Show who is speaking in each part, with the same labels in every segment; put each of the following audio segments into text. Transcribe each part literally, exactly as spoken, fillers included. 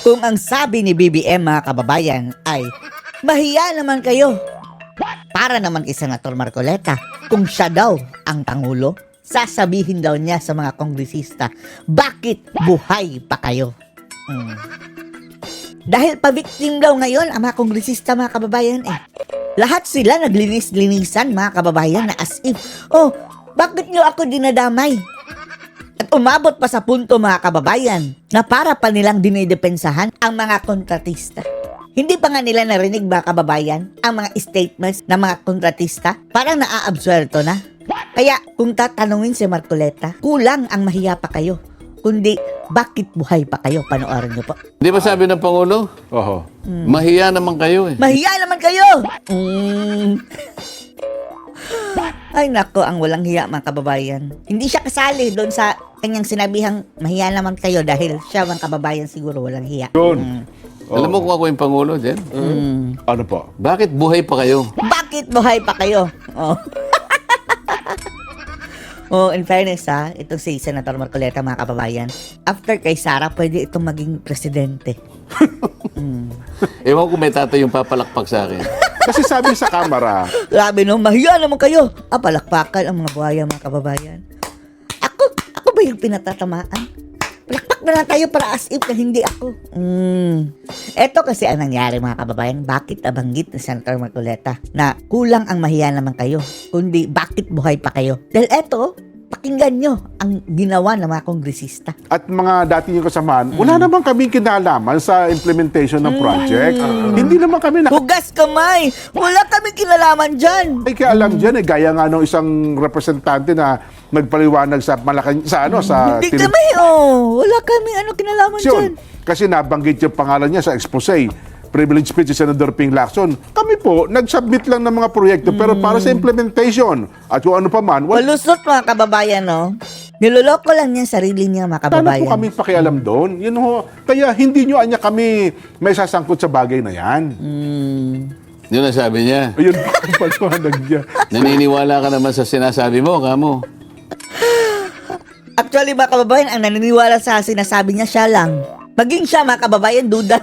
Speaker 1: Kung ang sabi ni B B M mga kababayan ay, mahiya naman kayo. Para naman kay Senator Marcoleta, kung siya daw ang Pangulo, sasabihin daw niya sa mga kongresista, bakit buhay pa kayo? Hmm. Dahil pa-victim daw ngayon ang mga kongresista mga kababayan eh. Lahat sila naglinis-linisan mga kababayan na as if, oh, bakit niyo ako dinadamay? At umabot pa sa punto mga kababayan na para pa nilang dinidepensahan ang mga kontratista. Hindi pa nga nila narinig mga kababayan ang mga statements ng mga kontratista, parang naa-absuelto na. Kaya kung tatanungin si Marcoleta, kulang ang mahiya pa kayo, kundi bakit buhay pa kayo? Panoorin niyo po.
Speaker 2: Di ba sabi ng Pangulo?
Speaker 3: Oho.
Speaker 2: Hmm. Mahiya naman kayo eh.
Speaker 1: Mahiya naman kayo! Mm. Ay nako, ang walang hiya mga kababayan. Hindi siya kasali doon sa kanyang sinabihang mahiya naman kayo dahil siya mga kababayan siguro walang hiya.
Speaker 3: Yun.
Speaker 1: Mm.
Speaker 2: Alam mo kung ako yung Pangulo, Jen?
Speaker 1: Mm.
Speaker 3: Ano po?
Speaker 2: Bakit buhay pa kayo?
Speaker 1: Bakit buhay pa kayo? Oh. Oh, in fairness ha, itong si Senator Marcoleta mga kababayan, after kay Sara, pwede itong maging presidente. Mm.
Speaker 2: Ewan ko may tatay yung papalakpak sa akin.
Speaker 3: Kasi sabi sa kamera,
Speaker 1: Grabe no, mahiya naman kayo. Ah, palakpakan ang mga buhaya mga kababayan. Ako, ako ba yung pinatatamaan? Palakpak na lang tayo para as if na hindi ako. Mm. Eto kasi ang nangyari mga kababayan, bakit nabanggit ni Senator Marcoleta na kulang ang mahiya naman kayo, kundi bakit buhay pa kayo? Dahil eto, pakinggan nyo ang ginawa ng mga kongresista.
Speaker 3: at mga dati yung kasamahan, wala naman kaming kinalaman sa implementation ng project. Hindi naman kami na...
Speaker 1: Hugas kamay! Wala kami kinalaman dyan!
Speaker 3: Ay, kaya alam dyan eh, gaya nga nung isang representante na nagpaliwanag sa Malacan, sa ano, sa...
Speaker 1: Hindi
Speaker 3: tele-
Speaker 1: kami, oh! Wala kami ano kinalaman dyan.
Speaker 3: Yun. Kasi nabanggit yung pangalan niya sa expose. Privilege speech si Senator Ping Lacson. Kami po, nag-submit lang ng mga proyekto pero para sa implementation. At kung ano pa man, wala
Speaker 1: Walusot mga kababayan, no? Niloloko lang niya sarili niya mga
Speaker 3: Paano
Speaker 1: kababayan.
Speaker 3: po kami pakialam doon? Yun ho. Kaya hindi nyo anya kami may sasangkot sa bagay na yan.
Speaker 1: Mm.
Speaker 2: Yun ang sabi niya.
Speaker 3: Ayun po ang paliwanag niya.
Speaker 2: Naniniwala ka naman sa sinasabi mo, kamo.
Speaker 1: Actually, mga kababayan, ang naniniwala sa sinasabi niya, siya lang. Maging siya, mga kababayan, duda.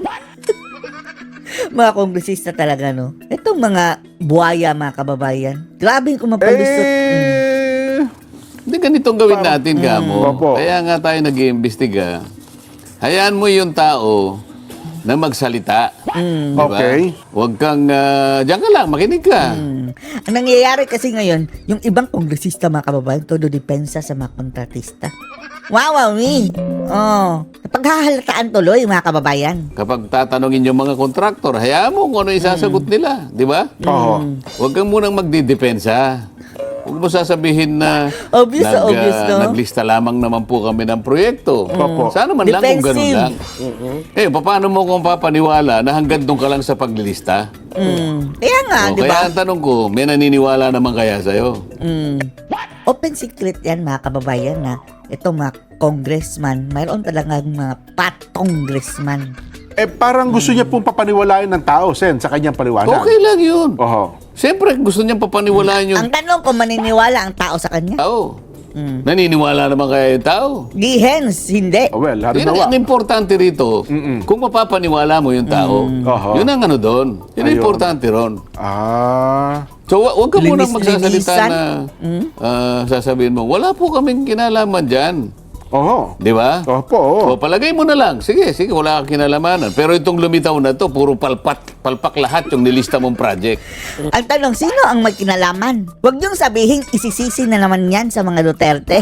Speaker 1: Mga kongresista talaga, no? Itong mga buhaya, mga kababayan. Grabe kung mapalusot. Mm.
Speaker 3: Eh,
Speaker 2: Hindi ganitong gawin natin, kamo.
Speaker 3: Opo.
Speaker 2: Kaya nga tayo nag-iimbestiga. Hayaan mo yung tao na magsalita.
Speaker 1: Mm.
Speaker 2: Di ba?
Speaker 3: Okay.
Speaker 2: Huwag kang, uh, diyan ka lang, makinig ka.
Speaker 1: Mm. Ang nangyayari kasi ngayon, yung ibang kongresista, mga kababayan, todo depensa sa mga kontratista. Wow, wow, me. Oh. Napaghahalataan tuloy, mga kababayan.
Speaker 2: Kapag tatanungin yung mga kontraktor, hayaan mo kung ano isasagot nila. Di ba?
Speaker 3: Oo.
Speaker 2: Huwag kang munang magdidepensa. Huwag mo sasabihin na
Speaker 1: Obvious na
Speaker 2: nag,
Speaker 1: obvious,
Speaker 2: ah,
Speaker 1: no?
Speaker 2: naglista lamang naman po kami ng proyekto.
Speaker 3: Opo.
Speaker 2: Sana man lang kung ganun
Speaker 1: Defensive.
Speaker 2: lang. Eh, paano mo kung papaniwala na hanggang doon ka lang sa paglilista?
Speaker 1: Mm. Kaya nga,
Speaker 2: O,
Speaker 1: di ba?
Speaker 2: kaya ang tanong ko, may naniniwala naman kaya sa'yo?
Speaker 1: Mm. Open secret yan mga kababayan na itong mga congressman, mayroon talagang mga pat-congressman.
Speaker 3: Eh, parang gusto niya pong papaniwalain ng tao, Sen, sa kanyang paliwanag.
Speaker 2: Okay lang yun.
Speaker 3: Oho.
Speaker 2: Siyempre, gusto niyang papaniwalaan yung
Speaker 1: Ang tanong kung maniniwala ang tao sa kanya.
Speaker 2: tao.
Speaker 1: Mm.
Speaker 2: Naniniwala naman kaya yung tao?
Speaker 1: Di hens, hindi.
Speaker 3: Oh, well,
Speaker 2: Yun ang,
Speaker 3: halimbawa.
Speaker 2: ang importante rito, kung mapapaniwala mo yung tao,
Speaker 3: Oho.
Speaker 2: yun ang ano doon. Yun ang
Speaker 3: Ayun.
Speaker 2: importante ron.
Speaker 3: Ah.
Speaker 2: So, wa- huwag ka munang magsasalita
Speaker 1: Linis-linisan.
Speaker 2: na ah, sasabihin mo, wala po kaming kinalaman dyan.
Speaker 3: Oho.
Speaker 2: Di ba?
Speaker 3: Opo. oo.
Speaker 2: O, palagay mo na lang. Sige, sige, wala kang kinalamanan. Pero itong lumitaw na to, puro palpat, palpak lahat yung nilista mong project.
Speaker 1: Ang tanong, sino ang may kinalaman? Huwag niyong sabihin, isisisi na naman yan sa mga Duterte.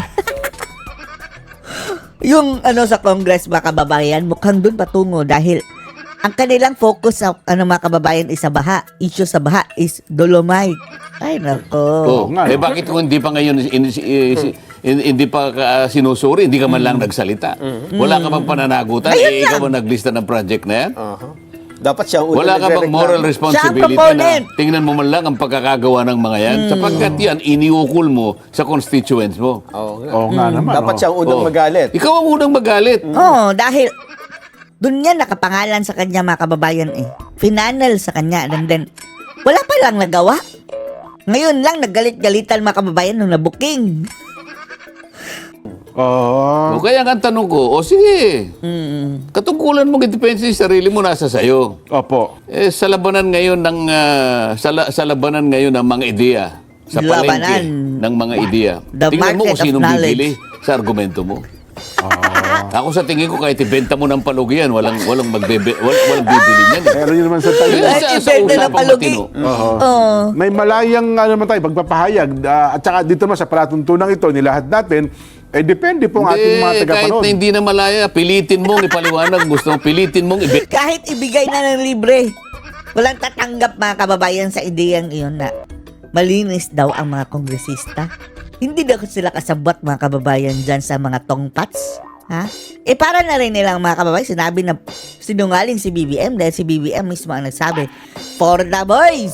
Speaker 1: Yung ano sa Congress, mga kababayan, mukhang dun patungo dahil ang kanilang focus sa ano mga kababayan is sa baha. Issue sa baha is Dolomite. Ay, nako.
Speaker 2: Oh,
Speaker 3: nga,
Speaker 2: eh
Speaker 3: no?
Speaker 2: bakit kung hindi pa ngayon in, in, in- in- hindi pa ka, sinusuri, hindi ka man lang nagsalita? Wala ka bang pananagutan?
Speaker 1: Ayun
Speaker 2: Eh, ikaw
Speaker 1: lang.
Speaker 2: ba naglista ng project na yan?
Speaker 4: Aha. Dapat siya ang unang
Speaker 2: Wala ka bang
Speaker 4: nagre-reklamo.
Speaker 2: moral responsibility
Speaker 1: Siya ang
Speaker 2: na
Speaker 1: proponent.
Speaker 2: tingnan mo man lang ang pagkakagawa ng mga yan? Sapagkat yan, iniukol mo sa constituents mo.
Speaker 4: Oo nga.
Speaker 3: Oo nga naman.
Speaker 4: Dapat
Speaker 3: oo.
Speaker 4: siya ang unang
Speaker 2: Oh.
Speaker 4: magalit.
Speaker 2: Ikaw ang unang magalit.
Speaker 1: Oo, dahil doon yan nakapangalan sa kanya mga kababayan eh. Finanel sa kanya. And then, wala pa lang nagawa. Ngayon lang naggalit-galitan mga kababayan nung nabuking.
Speaker 3: Oo.
Speaker 2: O kaya nga ang tanong ko, o sige, katungkulan mong i-depensa yung sarili mo nasa sayo.
Speaker 3: Opo.
Speaker 2: Eh, sa labanan ngayon ng ah, sa, la- sa labanan ngayon ng mga ideya, sa palengke
Speaker 1: Labanan.
Speaker 2: ng mga ideya.
Speaker 1: The
Speaker 2: Tingnan mo
Speaker 1: market
Speaker 2: kung
Speaker 1: of
Speaker 2: sinong
Speaker 1: knowledge.
Speaker 2: bibili sa argumento mo. Ako sa tingin ko kahit ibenta mo ng palugi yan, walang walang magbebe, walang, walang bibili niyan. Eh.
Speaker 3: Pero yun naman sa tayo.
Speaker 2: Yun
Speaker 1: Kahit
Speaker 2: sa, sa
Speaker 1: ibenta ng
Speaker 2: usapang
Speaker 1: palugi.
Speaker 2: matino.
Speaker 3: Oo.
Speaker 1: Oh.
Speaker 3: May malayang ano naman tayo, pagpapahayag. Ah, at saka dito naman sa palatuntunan ito, nilahat natin, eh depende po ang ating mga
Speaker 2: Hindi, kahit
Speaker 3: tagapanood.
Speaker 2: na hindi na malaya, pilitin mong ipaliwanag, gusto mong pilitin mong ibe.
Speaker 1: Kahit ibigay na ng libre, walang tatanggap mga kababayan sa ideyang iyon na malinis daw ang mga kongresista. Hindi daw sila kasabot mga kababayan dyan sa mga tongpats. Ha? Eh para na rin nilang mga kababayan, sinabi na sinungaling si B B M dahil si B B M mismo ang nagsabi, for the boys!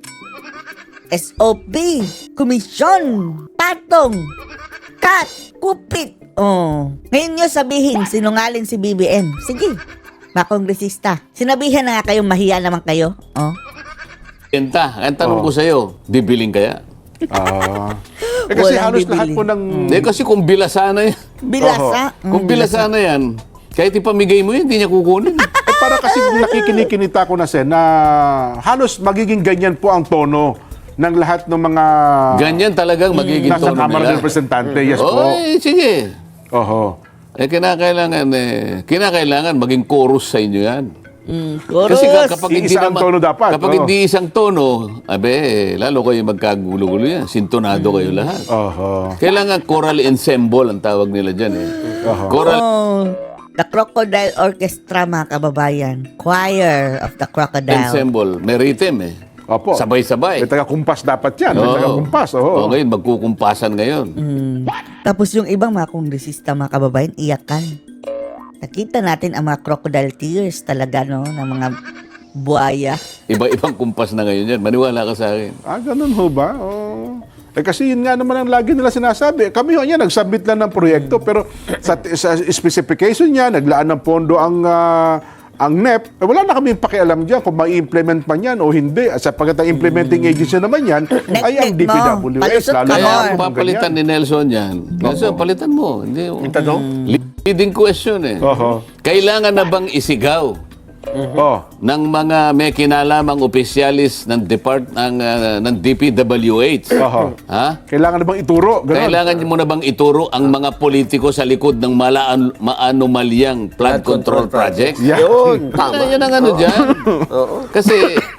Speaker 1: S O P, komisyon, patong, cut, kupit. Oh. Ngayon nyo sabihin, sinungaling si B B M. Sige, mga kongresista. Sinabihan na nga kayong mahiya naman kayo. Oh.
Speaker 2: Benta. Ang tanong
Speaker 3: Oo.
Speaker 2: ko sa'yo, bibiling kaya?
Speaker 3: Ah. Eh kasi
Speaker 1: Walang
Speaker 3: halos lahat
Speaker 1: bibili.
Speaker 3: po ng...
Speaker 2: Eh kasi kung bilasana yan,
Speaker 1: Bilasa.
Speaker 2: kung bilasana yan, kahit ipamigay mo yun, hindi niya kukunin.
Speaker 3: Eh, para kasi nakikinikinita ko na, Sen, na halos magiging ganyan po ang tono ng lahat ng mga
Speaker 2: Ganyan talagang magiging
Speaker 3: nasa
Speaker 2: tono
Speaker 3: Kamara
Speaker 2: nila.
Speaker 3: ng Representante. Yes po.
Speaker 2: Oy, sige.
Speaker 3: Oho.
Speaker 2: Eh, kinakailangan, eh, kinakailangan maging chorus sa inyo yan.
Speaker 1: Mm,
Speaker 2: Kasi ka- kapag hindi
Speaker 3: Iisa ang
Speaker 2: naman,
Speaker 3: tono dapat,
Speaker 2: kapag
Speaker 3: oo.
Speaker 2: hindi isang tono, abe, eh, lalo kayo magkagulo-gulo yan. Sintonado kayo lahat.
Speaker 3: Oho.
Speaker 2: Kailangan choral ensemble ang tawag nila dyan eh.
Speaker 3: Oho.
Speaker 2: Choral
Speaker 1: Oh, the Crocodile Orchestra, mga kababayan. Choir of the Crocodile.
Speaker 2: ensemble. May rhythm eh.
Speaker 3: Opo.
Speaker 2: Sabay-sabay.
Speaker 3: May taga-kumpas dapat yan. May
Speaker 2: Oo.
Speaker 3: taga-kumpas.
Speaker 2: Oo,
Speaker 3: Oo.
Speaker 2: ngayon, magkukumpasan ngayon.
Speaker 1: Mm. Tapos yung ibang mga kongresista, mga kababayan, iyakan. Nakita natin ang mga crocodile tears talaga, no? Ng mga buhaya.
Speaker 2: Iba-ibang kumpas na ngayon yan. Maniwala ka sa akin.
Speaker 3: Ah, ganun ho ba? Oo. Eh kasi yun nga naman ang lagi nila sinasabi. Kami ho yan, nag-submit lang ng proyekto. Pero sa, sa specification niya, naglaan ng pondo ang ah, ang N E P. Eh, wala na kami pakialam dyan kung ma-implement man yan o hindi. At sapagkat ang implementing agency naman yan, ay ang D P W S.
Speaker 1: Palusot ka
Speaker 3: Lalo
Speaker 2: Kaya
Speaker 3: na
Speaker 1: more.
Speaker 2: kung
Speaker 3: kung
Speaker 2: papalitan
Speaker 3: ganyan.
Speaker 2: ni Nelson yan, Nelson, palitan mo. Hindi,
Speaker 3: Yung tanong?
Speaker 2: leading question eh.
Speaker 3: Oho.
Speaker 2: Kailangan na bang isigaw
Speaker 3: Oh.
Speaker 2: ng mga may kinalamang opisyalis ng depart ng ah, ng D P W H?
Speaker 3: Oho.
Speaker 2: Ha?
Speaker 3: Kailangan na bang ituro? Ganun.
Speaker 2: Kailangan mo na bang ituro ang mga politiko sa likod ng malaan, maanomalyang flood control project?
Speaker 3: Yan.
Speaker 4: Yun,
Speaker 2: Tama.
Speaker 4: tama.
Speaker 2: Yan ang ano dyan. Kasi,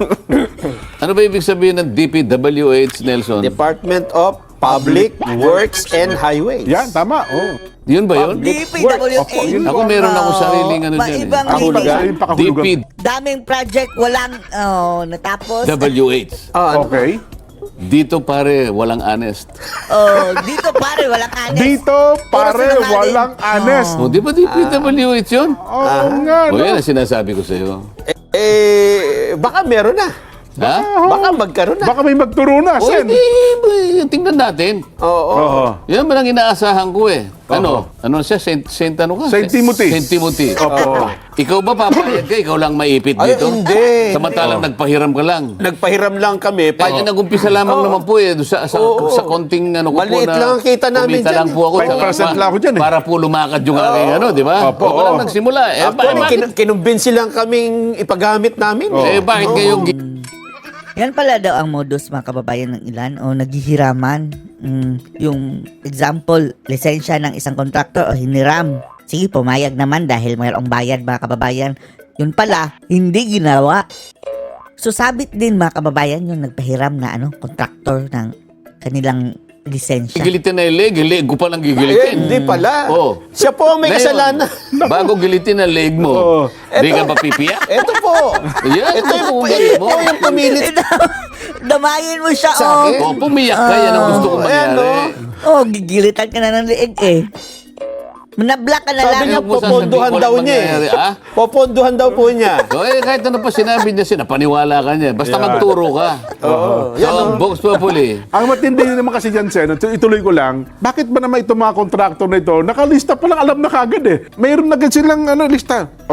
Speaker 2: ano ba ibig sabihin ng D P W H, Nelson?
Speaker 4: Department of Public Works and Highways.
Speaker 3: Yan, tama. Oh.
Speaker 2: Yun ba yun?
Speaker 1: D P W H.
Speaker 3: Opo, yun
Speaker 2: Ako meron ako sariling ano dyan eh.
Speaker 1: Maibang
Speaker 3: Kahulugan.
Speaker 1: ibang-
Speaker 3: Yung
Speaker 2: D
Speaker 3: pakahulugan.
Speaker 2: P
Speaker 1: Daming project, walang, oh, natapos.
Speaker 2: W H.
Speaker 4: Ah, ano?
Speaker 3: Okay.
Speaker 2: Dito pare, walang honest.
Speaker 1: Oh, dito pare, walang honest.
Speaker 3: Dito, pare,
Speaker 1: Puro sinungaling.
Speaker 3: walang honest.
Speaker 2: O, di ba D P W H yun?
Speaker 3: Oo nga,
Speaker 2: O
Speaker 3: no?
Speaker 2: yan ang sinasabi ko sa'yo.
Speaker 4: Eh, baka meron na.
Speaker 2: Ha?
Speaker 4: Baka magkaroon na.
Speaker 3: Baka may magturo na,
Speaker 2: O,
Speaker 3: Sen.
Speaker 2: hindi, eh, tingnan natin.
Speaker 4: Oo.
Speaker 3: Oo.
Speaker 2: Yan man ang inaasahan ko eh. Ano? Ano siya? Saint, Saint ano ka?
Speaker 3: Saint Timothy.
Speaker 2: Saint Timothy.
Speaker 3: Opo.
Speaker 2: Ikaw ba papayag ka? Ikaw lang maipit
Speaker 4: Ay,
Speaker 2: dito?
Speaker 4: hindi.
Speaker 2: Samantalang nagpahiram ka lang.
Speaker 4: Nagpahiram lang kami. Pa-
Speaker 2: Kaya nag-umpisa lamang naman po eh. Sa, sa,
Speaker 4: Oo.
Speaker 2: sa konting ano ko po
Speaker 4: Maliit
Speaker 2: na...
Speaker 4: lang ang kita namin
Speaker 2: kumita
Speaker 4: dyan.
Speaker 2: lang po ako.
Speaker 3: five percent lang ako dyan eh.
Speaker 2: Para po lumakad yung aking ano, di ba?
Speaker 3: Opo,
Speaker 2: Ako lang
Speaker 3: oo.
Speaker 2: nagsimula. Eh, ba-
Speaker 4: Actually,
Speaker 2: bakit,
Speaker 4: kin- kinumbinsi lang kaming ipagamit namin.
Speaker 2: eh, bakit kayo...
Speaker 1: Yan pala daw ang modus, mga kababayan, ng ilan o naghihiraman. Mm, yung example, lisensya ng isang kontraktor o hiniram. Sige, pumayag naman dahil mayroong bayad, mga kababayan. Yun pala, hindi ginawa. So, sabit din, mga kababayan, yung nagpahiram na ano, kontraktor ng kanilang lisensya.
Speaker 2: Gilitin na yung leg, yung leg ko palang
Speaker 4: Eh,
Speaker 2: gigilitin.
Speaker 4: hindi pala.
Speaker 2: Oo.
Speaker 4: Siya po ang may
Speaker 2: Ngayon,
Speaker 4: kasalanan.
Speaker 2: Bago gilitin ang leg mo,
Speaker 3: Oo.
Speaker 2: di ka ba pipiyak?
Speaker 4: Ito po.
Speaker 2: Yan,
Speaker 4: Ito yung,
Speaker 2: kung
Speaker 4: ito
Speaker 2: mo.
Speaker 4: po yung pumilit.
Speaker 1: Damayin mo siya,
Speaker 4: Sa
Speaker 1: oh.
Speaker 4: akin?
Speaker 2: Oh, pumiyak ka, yan ang gusto kong
Speaker 4: Ayan,
Speaker 2: mangyari.
Speaker 1: Oh, gigilitan ka na ng liig eh. Manabla ka na lang.
Speaker 4: Sabi niya,
Speaker 2: Huwag mo
Speaker 4: poponduhan
Speaker 2: sasabihin,
Speaker 4: daw
Speaker 2: walang
Speaker 4: niya
Speaker 2: mangyayari,
Speaker 4: eh.
Speaker 2: ah?
Speaker 4: Poponduhan daw po niya.
Speaker 2: So, eh, kahit ano pa sinabi niya, sinapaniwala ka niya. Basta magturo ka.
Speaker 4: Oo.
Speaker 2: So, ang Vox Populi,
Speaker 3: Ang matindi naman kasi dyan, Sen, ito- ituloy ko lang, bakit ba naman itong mga kontraktor na ito, nakalista pa lang, alam na kagad eh. Mayroon na agad silang ano, lista. Oy,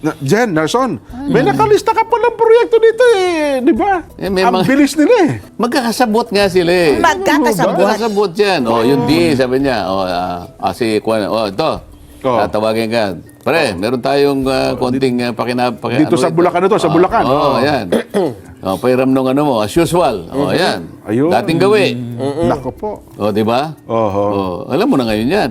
Speaker 3: Na, Jen, Nelson, may nakalista ka palang proyekto dito eh, di ba?
Speaker 2: Eh, may
Speaker 3: Ang
Speaker 2: mga-
Speaker 3: bilis nila eh.
Speaker 2: Magkakasabot nga sila eh.
Speaker 1: Magkakasabot.
Speaker 2: Magkakasabot yan. O, yung D, sabi niya. O, ah, ah, si Kwan, o, ito.
Speaker 3: Oh.
Speaker 2: Tatawagin ka. Pare, meron tayong ah, konting uh, pakina... paki-
Speaker 3: Dito sa Bulacan ito, sa
Speaker 2: Oh,
Speaker 3: Bulacan.
Speaker 2: Oo,
Speaker 3: Oh.
Speaker 2: yan. O, pairam nung ano mo, as usual. O, yan.
Speaker 3: Ayun.
Speaker 2: Dating gawi.
Speaker 3: Nako po.
Speaker 2: O, di ba?
Speaker 3: Oho.
Speaker 2: O, alam mo na ngayon yan.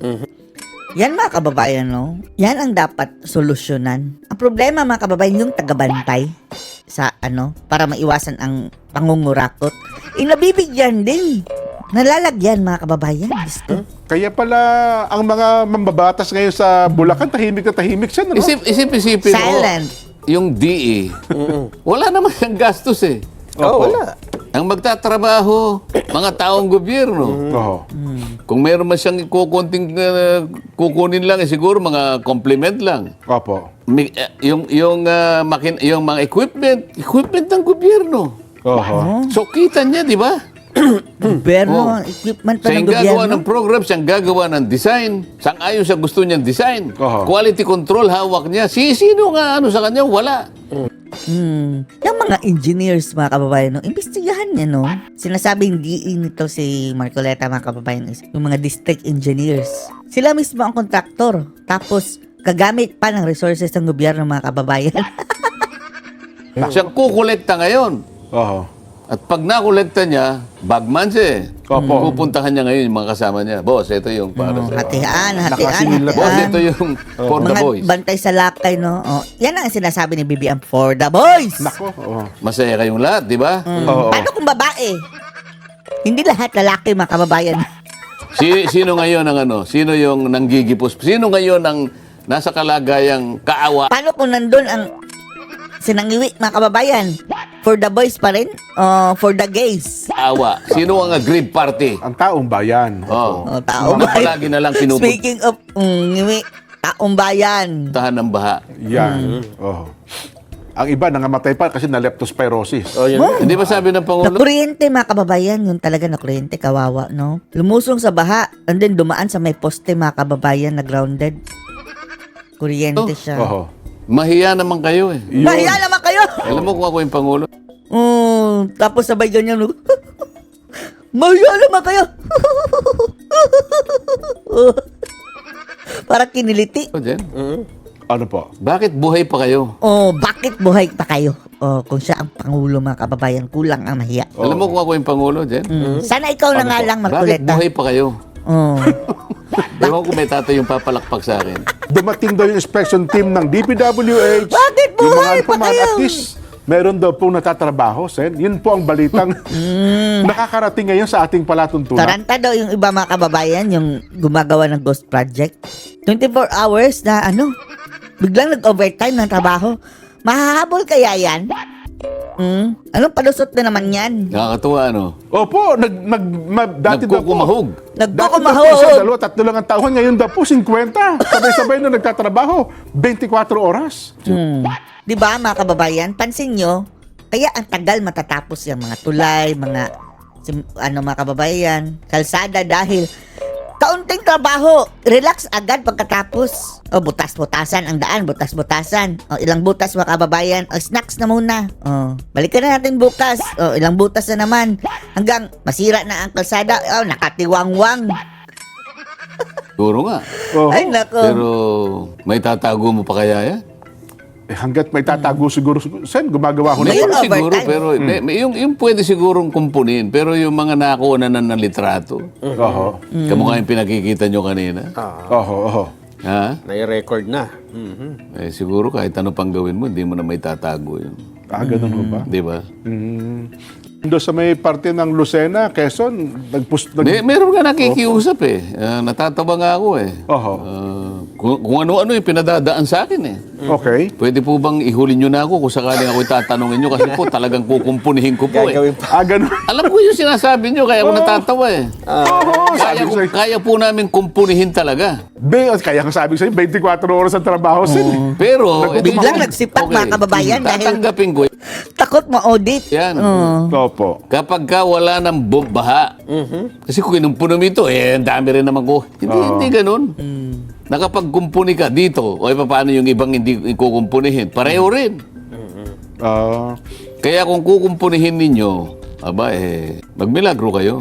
Speaker 1: Yan mga kababayan, no? Yan ang dapat solusyonan. Ang problema mga kababayan, yung tagabantay sa ano, para maiwasan ang pangungurakot. Eh, nabibigyan din. Nalalagyan mga kababayan. Diyos ko.
Speaker 3: Kaya pala ang mga mambabatas ngayon sa Bulacan, tahimik na tahimik siya, no?
Speaker 2: Isip, isip, isipin mo.
Speaker 1: Silent.
Speaker 2: Yung D E, wala naman siyang gastos eh.
Speaker 4: Oo, wala.
Speaker 2: Ang magtatrabaho, mga taong gobyerno.
Speaker 3: Oho.
Speaker 2: Kung meron man siyang kukunting uh, kukunin lang, eh, siguro mga compliment lang.
Speaker 3: Opo.
Speaker 2: Mi- eh, yung yung uh, makin yung mga equipment, equipment ng gobyerno.
Speaker 3: Oho.
Speaker 2: So kita niya, di ba?
Speaker 1: Gobyerno,
Speaker 2: Oh.
Speaker 1: equipment pa
Speaker 2: Siya
Speaker 1: ng
Speaker 2: yung gagawa
Speaker 1: gobyerno.
Speaker 2: ng program, siyang gagawa ng design. Sang ayon sa gusto niyang design.
Speaker 3: Oho.
Speaker 2: Quality control, hawak niya. Si sino nga ano sa kanya? Wala.
Speaker 1: Hmm. Yung mga engineers, mga kababayan, no, imbestigahan niya, no? Sinasabing D E nito si Marcoleta, mga kababayan, is yung mga district engineers. Sila mismo ang kontraktor. Tapos, gagamit pa ng resources ng gobyerno, mga kababayan.
Speaker 2: Siyang kukolekta ngayon.
Speaker 3: Oho.
Speaker 2: At pag nakolekta niya, bagman siya eh.
Speaker 3: Opo.
Speaker 2: Pupuntahan niya ngayon yung mga kasama niya. Boss, ito yung para
Speaker 1: Oh,
Speaker 2: sa...
Speaker 1: hatian, hatian,
Speaker 3: Nakasingil na-
Speaker 2: Boss,
Speaker 1: hatian.
Speaker 2: ito yung for the
Speaker 1: Mga
Speaker 2: boys.
Speaker 1: bantay sa lakay, no? Oh, yan ang sinasabi ni B B M, for the boys.
Speaker 3: Nako. Oho.
Speaker 2: Masaya kayong lahat, di ba?
Speaker 3: Oo.
Speaker 1: Paano kung babae? Hindi lahat lalaki, mga kababayan.
Speaker 2: Si, sino ngayon ang ano? Sino yung nanggigipos? Sino ngayon ang nasa kalagayang kaawa?
Speaker 1: Paano kung nandun ang sinangiwi, mga kababayan? For the boys pa rin? O for the gays?
Speaker 2: Kaawa. Sino ang aggrieved party?
Speaker 3: Ang taong bayan.
Speaker 2: Oh.
Speaker 1: O, taong
Speaker 2: Na
Speaker 1: bayan.
Speaker 2: palagi na lang pinupuntahan
Speaker 1: Speaking of mm, ngiwi, taong bayan.
Speaker 2: ng baha.
Speaker 3: Yan. Oho. Ang iba nangamatay pa kasi na leptospirosis.
Speaker 4: Oh, yun.
Speaker 2: Hindi ba sabi ng Pangulo?
Speaker 1: Nakuryente, mga kababayan. Yun talaga nakuryente, kawawa, no? Lumusong sa baha, and then dumaan sa may poste, mga kababayan, na grounded. Kuryente
Speaker 2: Oh.
Speaker 1: siya.
Speaker 3: Oho.
Speaker 2: Mahiya naman kayo eh.
Speaker 3: Yun.
Speaker 1: Mahiya naman kayo!
Speaker 2: Alam mo kung ako yung Pangulo?
Speaker 1: Oh, tapos sabay ganyan. no? Mahiya naman kayo! Para kiniliti.
Speaker 2: O, Jen,
Speaker 3: Ano po?
Speaker 2: bakit buhay pa kayo?
Speaker 1: Oh, bakit buhay pa kayo? Oh, kung siya ang pangulo, mga kababayan, kulang ang mahiya.
Speaker 2: Alam mo kung ako yung Pangulo, Jen?
Speaker 1: Mm. Sana ikaw na
Speaker 3: Ano
Speaker 1: nga
Speaker 3: po?
Speaker 1: lang,
Speaker 2: Bakit
Speaker 1: Marcoleta.
Speaker 2: buhay pa kayo?
Speaker 1: Oh.
Speaker 2: Ewan ko may tatay yung papalakpak sa akin.
Speaker 3: Dumating daw yung inspection team ng D P W H.
Speaker 1: Bakit
Speaker 3: Yung mga
Speaker 1: buhay pa
Speaker 3: informant,
Speaker 1: kayo?
Speaker 3: At least, meron daw pong natatrabaho, Sen. Yun po ang balitang nakakarating ngayon sa ating palatuntunan.
Speaker 1: Taranta daw yung iba, mga kababayan, yung gumagawa ng ghost project. twenty-four hours na ano, biglang nag-overtime ng trabaho. Mahahabol kaya yan? Hmm? Anong palusot na naman yan?
Speaker 2: Nakakatuwa, ano?
Speaker 3: Opo, nag, nag, ma, dati daw po.
Speaker 2: Nagkukumahog.
Speaker 3: Dati daw po isa,
Speaker 1: Nagkukumahog.
Speaker 3: dalawa, tatlo lang ang taon. Ngayon daw po, fifty. Sabay-sabay na nagtatrabaho. twenty-four oras.
Speaker 1: Hmm. Di ba, mga kababayan? Pansin nyo, kaya ang tagal matatapos yung mga tulay, mga sim- ano mga kababayan, kalsada dahil kaunting trabaho, relax agad pagkatapos. O, butas-butasan ang daan, butas-butasan. O, ilang butas mga kababayan, o, snacks na muna. O, balikan na natin bukas. O, ilang butas na naman. Hanggang masira na ang kalsada, o, nakatiwangwang.
Speaker 2: Siguro nga.
Speaker 3: Oho.
Speaker 1: Ay, nako.
Speaker 2: Pero may tatago mo pa kaya yan?
Speaker 3: Eh, hanggat may tatago siguro, Sen, gumagawa ko na.
Speaker 1: Ngayon,
Speaker 2: Siguro, siguro,
Speaker 1: overtime.
Speaker 2: pero may- may- yung, yung pwede sigurong kumpunin, pero yung mga nakuha na ng litrato,
Speaker 3: Oho.
Speaker 2: kamukha yung pinakikita nyo kanina,
Speaker 3: Oho, oho.
Speaker 2: ha?
Speaker 4: Nai-record na. Mhm.
Speaker 2: Eh, siguro kahit ano pang gawin mo, hindi mo na may tatago yun.
Speaker 3: Ah, ganun ho ba?
Speaker 2: Di ba?
Speaker 3: Mm. Doon sa may parte ng Lucena, Quezon, nagpus... Nag,
Speaker 2: May, meron nga nakikiusap eh. Ah, natatawa nga ako eh.
Speaker 3: Oho.
Speaker 2: Ah, kung, kung ano-ano yung pinadadaan sa akin eh.
Speaker 3: Okay.
Speaker 2: Pwede po bang ihuli nyo na ako kung sakaling ako tatanungin nyo kasi po talagang kukumpunihin ko po eh.
Speaker 4: Gagawin pa.
Speaker 3: Ah, ganun.
Speaker 2: Alam ko yung sinasabi nyo, kaya ako natatawa eh.
Speaker 3: Oo,
Speaker 2: Kaya,
Speaker 3: sabi ko
Speaker 2: ko-
Speaker 3: sa'yo.
Speaker 2: kaya po namin kumpunihin talaga.
Speaker 3: Be, kaya nga sabi ko sa'yo, twenty-four oras ang trabaho, Sen.
Speaker 2: Pero...
Speaker 1: Biglang nagsipak, mga kababayan, dahil-
Speaker 2: Tatanggapin ko
Speaker 1: Takot ma-audit.
Speaker 2: yan.
Speaker 1: Oh.
Speaker 3: Opo.
Speaker 2: Kapag ka wala ng baha, kasi kung kinumpunom ito, eh, ang dami rin naman ko. Hindi,
Speaker 3: Oo.
Speaker 2: hindi ganun. nakapagkumpuni ka dito, o e paano yung ibang hindi kukumpunihin? Pareho rin.
Speaker 3: Ah,
Speaker 2: Kaya kung kukumpunihin ninyo, aba eh, magmilagro kayo.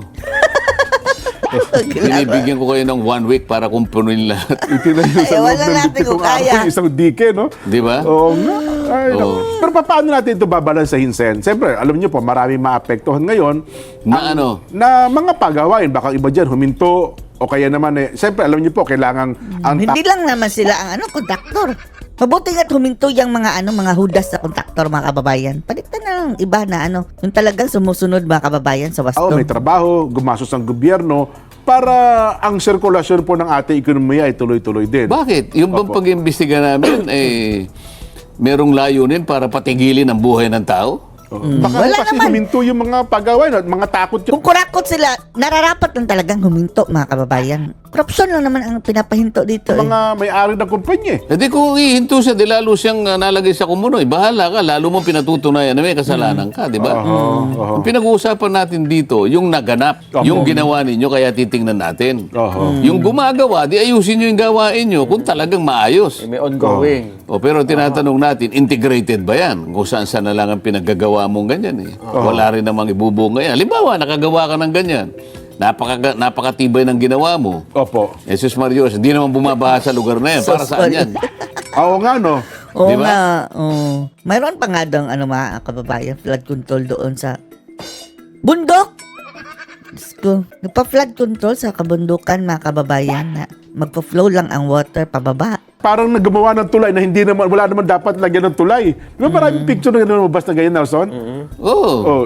Speaker 2: Binibigyan ko kayo ng one week para kumpunin lahat.
Speaker 3: itinayo sa
Speaker 1: Ay,
Speaker 3: loob
Speaker 1: wala
Speaker 3: ng
Speaker 1: natin
Speaker 3: pitong
Speaker 1: kung kaya.
Speaker 3: araw, isang dike, no?
Speaker 2: Di ba?
Speaker 3: Oo nga. Ay,
Speaker 2: Oo.
Speaker 3: naku. Pero pa- paano natin ito babalansahin, Sen? Siyempre, alam niyo po, maraming maapektuhan ngayon
Speaker 2: Na ano?
Speaker 3: na mga pagawain. Baka iba dyan, huminto, o kaya naman eh, siyempre, alam niyo po, kailangan ang
Speaker 1: Hindi lang naman sila ang ano, kontraktor. Mabuti nga't huminto yung mga ano, mga hudas sa kontraktor, mga kababayan. Palitan na lang iba na ano, yung talagang sumusunod mga kababayan sa wasto.
Speaker 3: tao, may trabaho, gumastos ang gobyerno para ang sirkulasyon po ng ating ekonomiya ay tuloy-tuloy din.
Speaker 2: Bakit? Yung bang
Speaker 3: Opo.
Speaker 2: pag-imbestiga namin, eh, merong layunin para patigilin ang buhay ng tao?
Speaker 3: Oh. Baka
Speaker 1: Wala
Speaker 3: kasi
Speaker 1: naman.
Speaker 3: huminto yung mga pagawain at mga takot yun.
Speaker 1: Kung kurakot sila, nararapat lang talagang huminto mga kababayan. Korupsyon lang naman ang pinapahinto dito eh.
Speaker 3: Mga may-ari ng kumpanya eh.
Speaker 2: E di kung ihinto siya, di lalo siyang uh, nalagay sa kumunoy. Bahala ka, lalo mo pinatutunayan na may kasalanan ka, di ba?
Speaker 3: Oo, oo.
Speaker 2: Ang pinag-uusapan natin dito, yung naganap,
Speaker 3: Opo.
Speaker 2: yung ginawa ninyo, kaya titingnan natin.
Speaker 3: Oo.
Speaker 2: Yung gumagawa, di ayusin nyo yung gawain nyo kung talagang maayos.
Speaker 4: May ongoing.
Speaker 2: O pero tinatanong natin, integrated ba yan? Kung saan saan na lang ang pinaggagawa mong ganyan eh. Wala rin namang ibubunga yan. Halimbawa, nakagawa ka ng ganyan. Napaka, napakatibay ng ginawa mo.
Speaker 3: Opo.
Speaker 2: Jesus Marios, hindi naman bumabaha sa lugar na yan. Para saan yan?
Speaker 3: Oo nga, no?
Speaker 1: Oo
Speaker 2: Di ba?
Speaker 1: nga, oo. Mayroon pa nga daw ano mga kababayan, flood control doon sa bundok. Diyos ko, nagpa-flood control sa kabundukan mga kababayan na magpa-flow lang ang water pababa.
Speaker 3: Parang naggumawa ng tulay na hindi naman, wala naman dapat lagyan ng tulay. Di ba maraming picture na gano'n lumabas na ganyan, Nelson?
Speaker 2: Oo.
Speaker 3: Oh.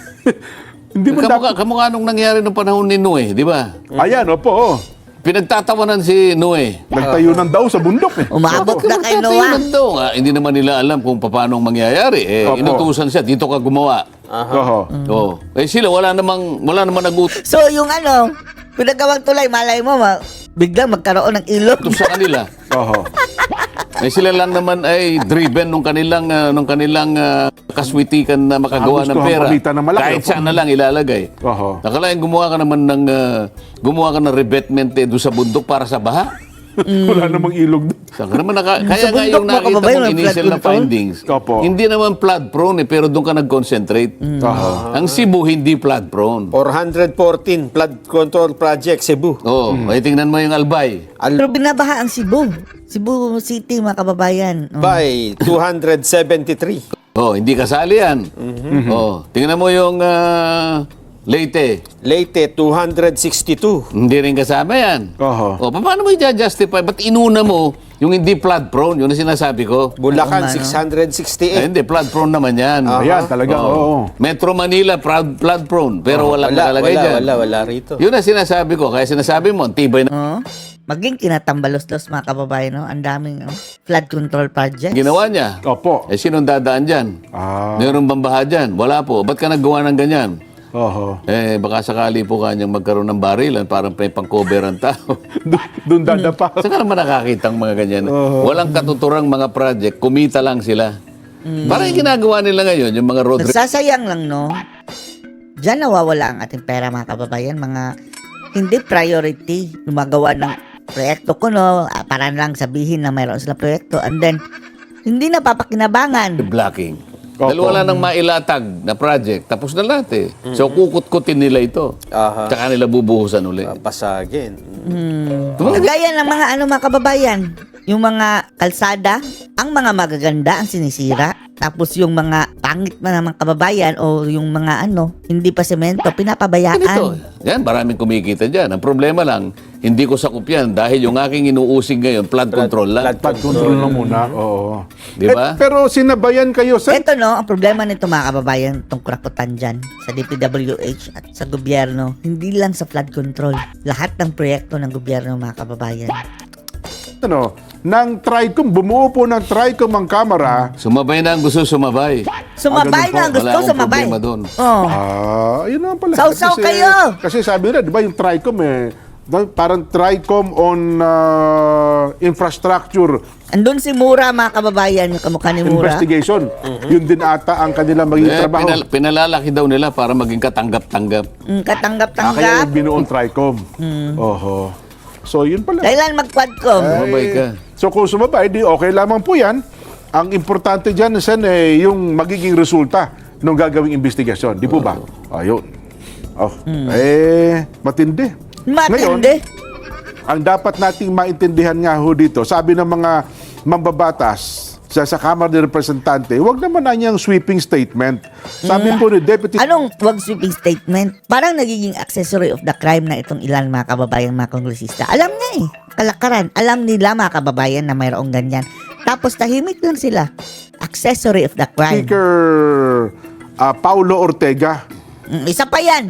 Speaker 3: Hindi mo
Speaker 2: Kamukha,
Speaker 3: dapat...
Speaker 2: kamukha nung nangyari nung panahon ni Noe, di ba?
Speaker 3: Ayan, opo, oh.
Speaker 2: Pinagtatawanan si Noe.
Speaker 3: Nagtayo ng daw sa bundok eh.
Speaker 1: Umabot
Speaker 3: Opo.
Speaker 1: na kay
Speaker 2: Magtatayo
Speaker 1: Noah.
Speaker 2: ng daw. Ah, hindi naman nila alam kung paano mangyayari. Eh,
Speaker 3: Opo.
Speaker 2: inutusan siya, dito ka gumawa.
Speaker 3: Oho.
Speaker 2: Oo. Eh sila, wala namang, wala namang nag-utos
Speaker 1: So yung ano, pinagawang tulay, malay mo, ma, biglang magkaroon ng ilog.
Speaker 2: sa kanila.
Speaker 3: Oho.
Speaker 2: Eh sila lang naman ay driven nung kanilang ah, nung kanilang ah, kaswitikan na makagawa
Speaker 3: Ah,
Speaker 2: ng
Speaker 3: gusto
Speaker 2: pera.
Speaker 3: ang palitan ng malaki.
Speaker 2: Kahit saan na lang ilalagay.
Speaker 3: Oho.
Speaker 2: Nakalain gumawa ka naman ng ah, gumawa ka ng revetment eh, doon sa bundok para sa baha.
Speaker 3: Wala namang ilog doon.
Speaker 2: Saan ka naman naka, kaya nga
Speaker 1: bundok,
Speaker 2: yung
Speaker 1: mga
Speaker 2: nakita
Speaker 1: kababayan,
Speaker 2: mong
Speaker 1: may
Speaker 2: initial
Speaker 1: flood
Speaker 2: na
Speaker 1: control?
Speaker 2: findings,
Speaker 3: Opo.
Speaker 2: hindi naman flood prone eh, pero doon ka nag-concentrate.
Speaker 3: Oho.
Speaker 2: Ang Cebu hindi flood prone.
Speaker 4: four hundred fourteen flood control project Cebu.
Speaker 2: Oo, ay tingnan mo yung Albay.
Speaker 1: Pero binabaha ang Cebu. Cebu City, mga kababayan. Oh.
Speaker 4: By two hundred seventy-three.
Speaker 2: Oh, hindi kasali yan. Oh, tingnan mo yung ah, Leyte.
Speaker 4: Leyte two hundred sixty-two.
Speaker 2: Hindi rin kasama yan.
Speaker 3: Oho.
Speaker 2: O, paano mo i-justify? Ba't inuna mo yung hindi flood prone? Yun ang sinasabi ko.
Speaker 4: Bulacan
Speaker 1: Oo nga, no?
Speaker 4: six hundred
Speaker 2: Ay,
Speaker 4: sixty-eight.
Speaker 2: hindi, flood prone naman yan.
Speaker 3: Ayan, talaga,
Speaker 2: Oo.
Speaker 3: oo.
Speaker 2: Metro Manila, proud, flood prone. Pero walang
Speaker 4: Wala,
Speaker 2: nakalagay
Speaker 4: wala,
Speaker 2: dyan.
Speaker 4: wala, wala rito.
Speaker 2: Yun ang sinasabi ko. Kaya sinasabi mo, ang tibay na
Speaker 1: Oh. Maging kinatambalos-los mga kababayan, no? Ang daming oh, flood control project.
Speaker 2: ginawa niya.
Speaker 3: Opo.
Speaker 2: Eh, sinong dadaan dyan?
Speaker 3: Ah.
Speaker 2: Meron bang baha dyan? Wala po. Ba't ka naggawa ng ganyan?
Speaker 3: Oho.
Speaker 2: Eh, baka sakali po kanyang magkaroon ng barilan, parang may pang-cover ang tao.
Speaker 3: Doon- Doon dadapa.
Speaker 2: Saan ka naman nakakita ang mga ganyan? Walang katuturang mga project, kumita lang sila. Parang yung ginagawa nila ngayon, yung mga road
Speaker 1: Nagsasayang lang, no? Diyan nawawala ang ating pera, mga kababayan. Mga hindi priority. Lumagawa ng proyekto ko, no? ah, Para lang sabihin na mayroon sila proyekto. And then, hindi napapakinabangan.
Speaker 2: blocking.
Speaker 3: Opo.
Speaker 2: Dahil wala nang mailatag na project, tapos na lahat eh. So kukut-kutin nila ito.
Speaker 4: Aha.
Speaker 2: Tsaka nila bubuhusan uli.
Speaker 4: Pasagin.
Speaker 1: Kagaya ng mga ano, mga kababayan. Yung mga kalsada, ang mga magaganda ang sinisira. Tapos yung mga pangit na mga kababayan o yung mga ano, hindi pa semento,
Speaker 2: Ganito.
Speaker 1: pinapabayaan.
Speaker 2: Yan, maraming kumikita dyan. Ang problema lang, hindi ko sakup yan dahil yung aking inuusig ngayon, flood control lang.
Speaker 4: Flood
Speaker 3: Flood control na muna. Oo.
Speaker 2: Di ba?
Speaker 3: Eh, pero sinabayan kayo sa...
Speaker 1: Ito no, ang problema nito mga kababayan, itong kurakutan dyan sa D P W H at sa gobyerno, hindi lang sa flood control. Lahat ng proyekto ng gobyerno mga kababayan.
Speaker 3: Ano, ng TRICOM, bumuo po ng TRICOM ang kamera.
Speaker 2: Sumabay na ang gusto sumabay.
Speaker 1: Sumabay
Speaker 3: Ah, ganun
Speaker 1: na ang
Speaker 3: po.
Speaker 1: gusto,
Speaker 2: Wala akong
Speaker 1: sumabay.
Speaker 2: problema doon.
Speaker 1: Oh.
Speaker 3: Ah, yun naman pala.
Speaker 1: Sausaw
Speaker 3: Kasi-
Speaker 1: kayo!
Speaker 3: Kasi sabi nila, di ba yung TRICOM eh, no, parang TRICOM on ah, infrastructure
Speaker 1: Andun si Mura mga kababayan, yung kamukha ni Mura.
Speaker 3: investigation. Yun din ata ang kanilang magiging
Speaker 2: Eh,
Speaker 3: trabaho.
Speaker 2: pinal- pinalalaki daw nila para maging katanggap-tanggap.
Speaker 1: Mm,
Speaker 3: Ah, kaya
Speaker 1: katanggap-tanggap.
Speaker 3: yung binuong TRICOM. Oho. So, yun pala.
Speaker 1: Kailan mag-quadcom?
Speaker 2: Sumabay ka.
Speaker 3: So, kung sumabay, di okay lamang po yan. Ang importante dyan, Sen, eh, yung magiging resulta ng gagawing investigasyon. Di po ba? Ayun. Oh, eh, matindi. Ngayon,
Speaker 1: Matindi.
Speaker 3: ang dapat nating maintindihan nga ho dito, sabi ng mga mambabatas sa, sa Kamara ng Representante, huwag naman na niyang sweeping statement. Sabi po ni Deputy...
Speaker 1: Anong wag sweeping statement? Parang nagiging accessory of the crime na itong ilan mga kababayan, mga kongresista. Alam niya eh. Kalakaran. Alam nila mga kababayan na mayroong ganyan. Tapos tahimik lang sila. Accessory of the crime.
Speaker 3: Speaker ah, Paulo Ortega
Speaker 1: Mm, isa pa yan.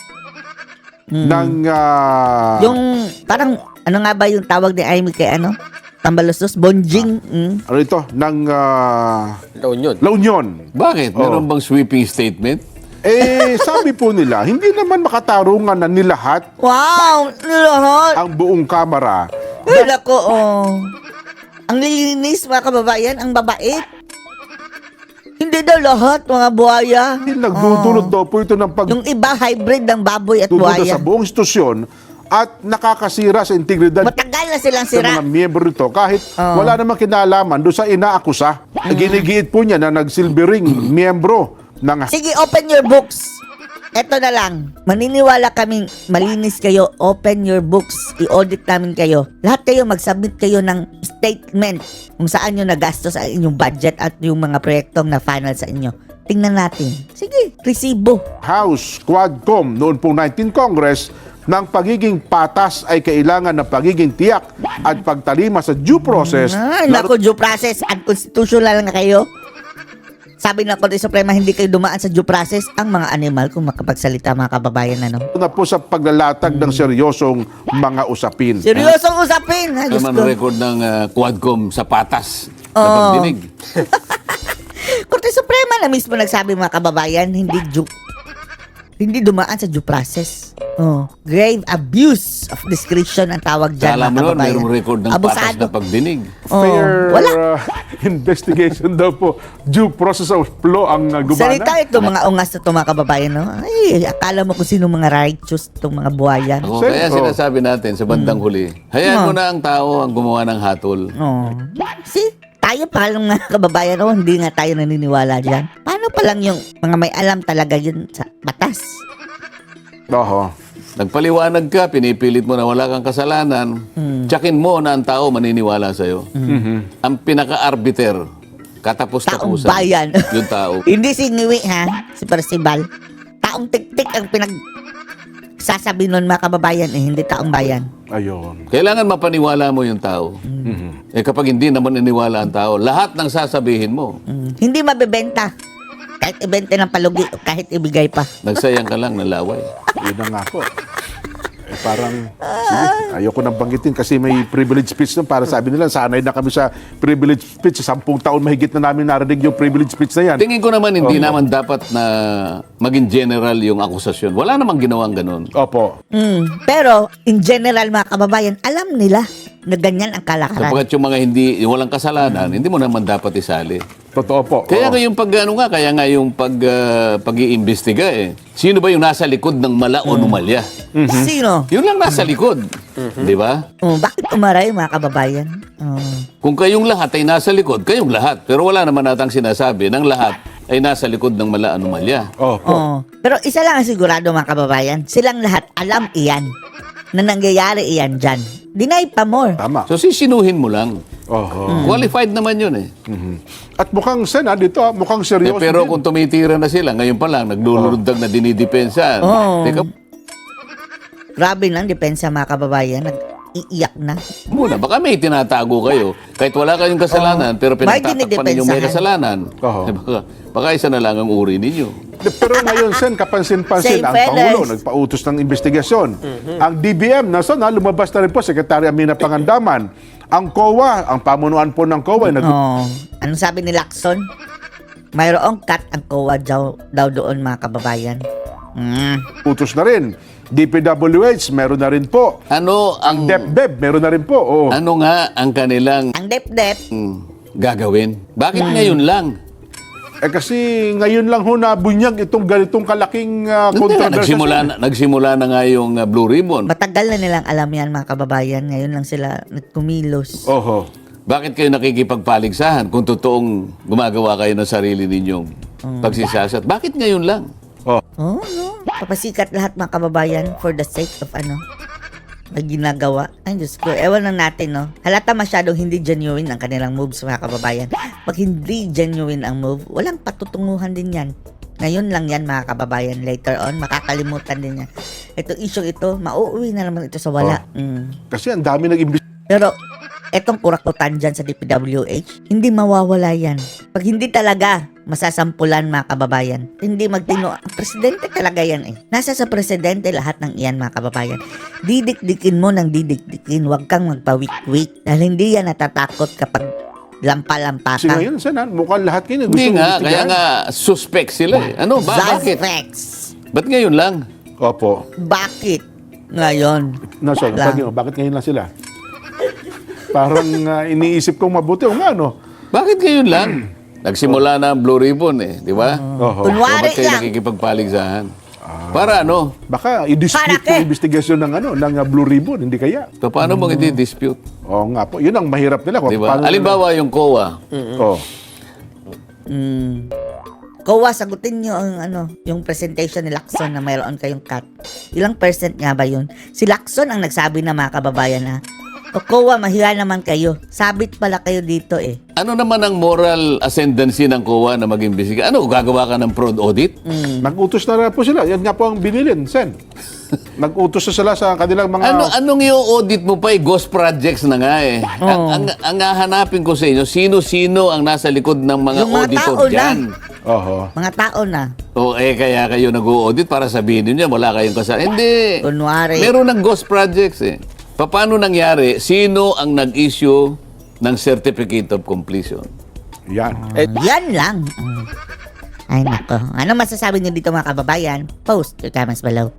Speaker 3: ng... ah,
Speaker 1: Yung parang, ano nga ba yung tawag ni Amy kay ano? Tambalustos? Bonjing? Mm.
Speaker 3: ano ito? Ng ah,
Speaker 4: La Union.
Speaker 3: La Union.
Speaker 2: Bakit? Meron bang sweeping statement?
Speaker 3: Eh, sabi po nila, hindi naman makatarungan na nilahat
Speaker 1: Wow! Lahat!
Speaker 3: ang buong Kamara.
Speaker 1: Ay, nako, oh. Ang linis, mga kababayan, ang babait. Hindi daw lahat, mga buhaya.
Speaker 3: Hindi nagdudulot daw po ito ng pag
Speaker 1: Yung iba, hybrid ng baboy at
Speaker 3: dududa
Speaker 1: buhaya.
Speaker 3: sa buong institusyon at nakakasira sa integridad
Speaker 1: Matagal na silang
Speaker 3: sa
Speaker 1: sira.
Speaker 3: mga miyembro nito kahit
Speaker 1: Oo.
Speaker 3: wala namang kinalaman doon sa inaakusa. Ginigiit po niya na nagsilbering miyembro ng
Speaker 1: Sige, open your books. Eto na lang. Maniniwala kaming malinis kayo. Open your books. I-audit namin kayo. Lahat kayo mag-submit kayo ng statement kung saan nyo nagastos ang inyong budget at yung mga proyektong na final sa inyo. Tingnan natin. Sige, resibo.
Speaker 3: House Quadcom noon pong nineteenth Congress ng pagiging patas ay kailangan ng pagiging tiyak at pagtalima sa due process.
Speaker 1: Ay, naku, due process. Unconstitutional na kayo. Sabi ng Korte Suprema, hindi kayo dumaan sa due process ang mga animal kung makapagsalita, mga kababayan. Ano?
Speaker 3: na po sa paglalatag ng seryosong mga usapin.
Speaker 1: Seryosong usapin. Ha,
Speaker 2: Ano
Speaker 1: Diyos
Speaker 2: man
Speaker 1: ko.
Speaker 2: ang record ng ah, Quadcom sa patas na
Speaker 1: Oo.
Speaker 2: pagdinig?
Speaker 1: Korte Suprema na mismo nagsabi, mga kababayan, hindi due, hindi dumaan sa due process. Oh, grave abuse of discretion ang tawag dyan,
Speaker 2: Kala
Speaker 1: mga
Speaker 2: mo nun,
Speaker 1: kababayan.
Speaker 2: mayroong record ng patas
Speaker 1: Abusado.
Speaker 2: na pagdinig.
Speaker 1: Oh,
Speaker 3: Fair
Speaker 1: wala.
Speaker 3: uh, investigation daw po. Due process of law ang uh, gumana.
Speaker 1: Salita ito, mga ungas na ito, mga kababayan. No? Ay, akala mo kung sino mga righteous itong mga buhayan.
Speaker 2: Ako,
Speaker 3: Sir,
Speaker 2: kaya
Speaker 3: oh.
Speaker 2: sinasabi natin sa bandang huli, hayaan
Speaker 1: Oh.
Speaker 2: mo na ang tao ang gumawa ng hatol.
Speaker 1: Oh. See, tayo pa lang mga kababayan, oh, hindi nga tayo naniniwala dyan. Paano pa lang yung mga may alam talaga yun sa batas?
Speaker 3: Oho.
Speaker 2: Nagpaliwanag ka, pinipilit mo na wala kang kasalanan, tsakin mo na ang tao maniniwala sa'yo. Ang pinaka-arbiter,
Speaker 1: Taong
Speaker 2: katapos-tapusan,
Speaker 1: bayan.
Speaker 2: yung tao.
Speaker 1: Hindi si Ngiwi, ha? Si Percival. Taong tik-tik ang pinag... Sasabi nun, mga kababayan, eh, hindi taong bayan.
Speaker 3: Ayun.
Speaker 2: Kailangan mapaniwala mo yung tao. Eh kapag hindi naman naniniwala ang tao, lahat ng sasabihin mo,
Speaker 1: Mm. Hindi mabebenta. Kahit ibenta ng palugi o kahit ibigay pa.
Speaker 2: nagsayang ka lang ng laway.
Speaker 3: Yun na nga po. Eh, parang, sige, ayoko nang banggitin kasi may privilege speech nun. Para sabi nila, sanay na kami sa privilege speech. Sa sampung taon mahigit na namin narinig yung privilege speech na yan.
Speaker 2: Tingin ko naman hindi naman dapat na maging general yung akusasyon. Wala namang ginawang ganun.
Speaker 3: Opo.
Speaker 1: Mm. Pero, in general, mga kababayan, alam nila na ganyan ang kalakaran.
Speaker 2: Sapagkat yung mga hindi, yung walang kasalanan, hindi mo naman dapat isali.
Speaker 3: Totoo po.
Speaker 2: Kaya
Speaker 3: Oo.
Speaker 2: nga yung pag, ano nga, kaya nga yung pag, ah, pag-iimbestiga eh. Sino ba yung nasa likod ng mala o numalya?
Speaker 1: Sino?
Speaker 2: Yun lang nasa likod. Di ba?
Speaker 1: Oh, bakit umaray, mga kababayan? Oh.
Speaker 2: Kung kayong lahat ay nasa likod, kayong lahat. Pero wala naman natang sinasabi ng lahat ay nasa likod ng mala anomalya.
Speaker 3: Opo.
Speaker 1: Oh. Pero isa lang ang sigurado, mga kababayan. Silang lahat alam iyan na nangyayari iyan dyan. Deny pa more.
Speaker 3: Tama.
Speaker 2: So sisinuhin mo lang.
Speaker 3: Oho.
Speaker 2: Qualified naman yun eh.
Speaker 3: At mukhang, Sen, ah, dito, ah, mukhang
Speaker 2: Eh,
Speaker 3: seryoso
Speaker 2: pero
Speaker 3: din.
Speaker 2: kung tumitira na sila, ngayon pa lang, naglulundag na dinidepensa.
Speaker 1: Oo.
Speaker 2: Teka
Speaker 1: Grabe lang, depensa, mga kababayan. Nag-iiyak na.
Speaker 2: muna, baka may tinatago kayo. Kahit wala kayong kasalanan, pero
Speaker 1: May
Speaker 2: pinagtatakpan ninyo may
Speaker 1: dinidepensahan.
Speaker 2: kasalanan.
Speaker 3: Oo.
Speaker 2: Eh, baka, baka isa na lang ang uri ninyo.
Speaker 3: De, pero ngayon, Sen, kapansin-pansin,
Speaker 1: Same
Speaker 3: ang
Speaker 1: fellas.
Speaker 3: Pangulo nagpautos ng investigasyon. Ang D B M, nasa na, lumabas na rin po, Secretary Amina Pangandaman. Ang C O A, ang pamunuan po ng C O A, nag-
Speaker 1: Oh. Anong sabi ni Lacson? Mayroong cut ang C O A daw, daw doon, mga kababayan. Mm.
Speaker 3: utos na rin. D P W H, meron na rin po.
Speaker 2: Ano ang
Speaker 3: DepDep, meron na rin po. Oh.
Speaker 2: ano nga ang kanilang
Speaker 1: Ang dep-dep,
Speaker 2: mm, gagawin? Bakit ngayon lang?
Speaker 3: Eh kasi ngayon lang ho nabunyag itong ganitong kalaking uh,
Speaker 2: Hindi nga,
Speaker 3: controversy.
Speaker 2: nagsimula, na, nagsimula na nga yung uh, Blue Ribbon.
Speaker 1: Matagal na nilang alam yan mga kababayan. Ngayon lang sila nagkumilos.
Speaker 3: Oho.
Speaker 2: Bakit kayo nakikipagpaligsahan kung totoong gumagawa kayo ng sarili ninyong pagsisasat? Bakit ngayon lang?
Speaker 3: Oh.
Speaker 1: Oo, no? Papasikat lahat mga kababayan for the sake of ano, na ginagawa. Ay, Diyos ko. Ewan lang natin, no? Halata masyadong hindi genuine ang kanilang moves, mga kababayan. Pag hindi genuine ang move, walang patutunguhan din yan. Ngayon lang yan, mga kababayan. Later on, makakalimutan din yan. Ito, issue ito, mauuwi na naman ito sa wala. Mm.
Speaker 3: Kasi ang dami nag-imbis.
Speaker 1: Pero, etong kurakutan dyan sa D P W H, hindi mawawala yan. Pag hindi talaga masasampulan mga kababayan, hindi magtino. Ang presidente talaga yan eh. Nasa sa presidente lahat ng iyan mga kababayan. Didikdikin mo ng didikdikin, huwag kang magpawik-wik. Dahil hindi yan natatakot kapag lampa-lampa
Speaker 3: Kasi
Speaker 1: ka.
Speaker 3: ngayon, sana, mukhang lahat kayo gusto
Speaker 2: Hindi nga,
Speaker 3: imbestigahan.
Speaker 2: kaya nga suspect sila eh. Ano, ba, bakit?
Speaker 1: Suspects.
Speaker 2: Ba't ngayon lang?
Speaker 3: Opo.
Speaker 1: Bakit? Ngayon.
Speaker 3: Nasa,
Speaker 1: Lang.
Speaker 3: bakit, bakit ngayon lang sila? Parang uh, iniisip kong mabuti. O nga, no?
Speaker 2: Bakit ngayon lang? Nagsimula na ang Blue Ribbon eh, di ba?
Speaker 3: Oho.
Speaker 1: Kunwari
Speaker 2: Ba't kayo
Speaker 1: lang.
Speaker 2: nakikipagpaligsahan? Para ano?
Speaker 3: Baka i-dispute
Speaker 1: Para ke?
Speaker 3: yung investigasyon ng, ano, ng uh, Blue Ribbon. Hindi kaya?
Speaker 2: So, paano mong i-dispute?
Speaker 3: Oo nga po. Yun ang mahirap nila. Kung
Speaker 2: Di ba?
Speaker 3: paano
Speaker 2: Halimbawa yung C O A.
Speaker 3: nila- Oh.
Speaker 1: Mm. Kowa, sagutin nyo ang ano, yung presentation ni Lacson na mayroon kayong cut. Ilang percent nga ba yun? Si Lacson ang nagsabi na mga kababayan ha. O Kowa, mahiya naman kayo. Sabit pala kayo dito eh.
Speaker 2: Ano naman ang moral ascendancy ng C O A na mag-imbestiga? Ano, gagawa ka ng fraud audit?
Speaker 3: Nag-utos na rin po sila. Yan nga po ang binilin, Sen. Nag-utos na sila sa kanilang mga...
Speaker 2: Ano, anong i-audit mo pa eh? Ghost projects na nga eh. Ang, ang, ang hahanapin ko sa inyo, sino-sino ang nasa likod ng mga
Speaker 1: Yung mga
Speaker 2: auditor
Speaker 1: tao na.
Speaker 2: dyan?
Speaker 3: Oho.
Speaker 1: Mga tao na.
Speaker 2: O eh, kaya kayo nag-audit para sabihin niyo wala kayong kasalanan. Hindi.
Speaker 1: Kunwari.
Speaker 2: Meron ng ghost projects eh. Paano nangyari? Sino ang nag-issue ng Certificate of Completion?
Speaker 3: Yan.
Speaker 4: Eh,
Speaker 1: Yan lang. Mm. Ay nako. Ano masasabi niyo dito mga kababayan? Post your comments below.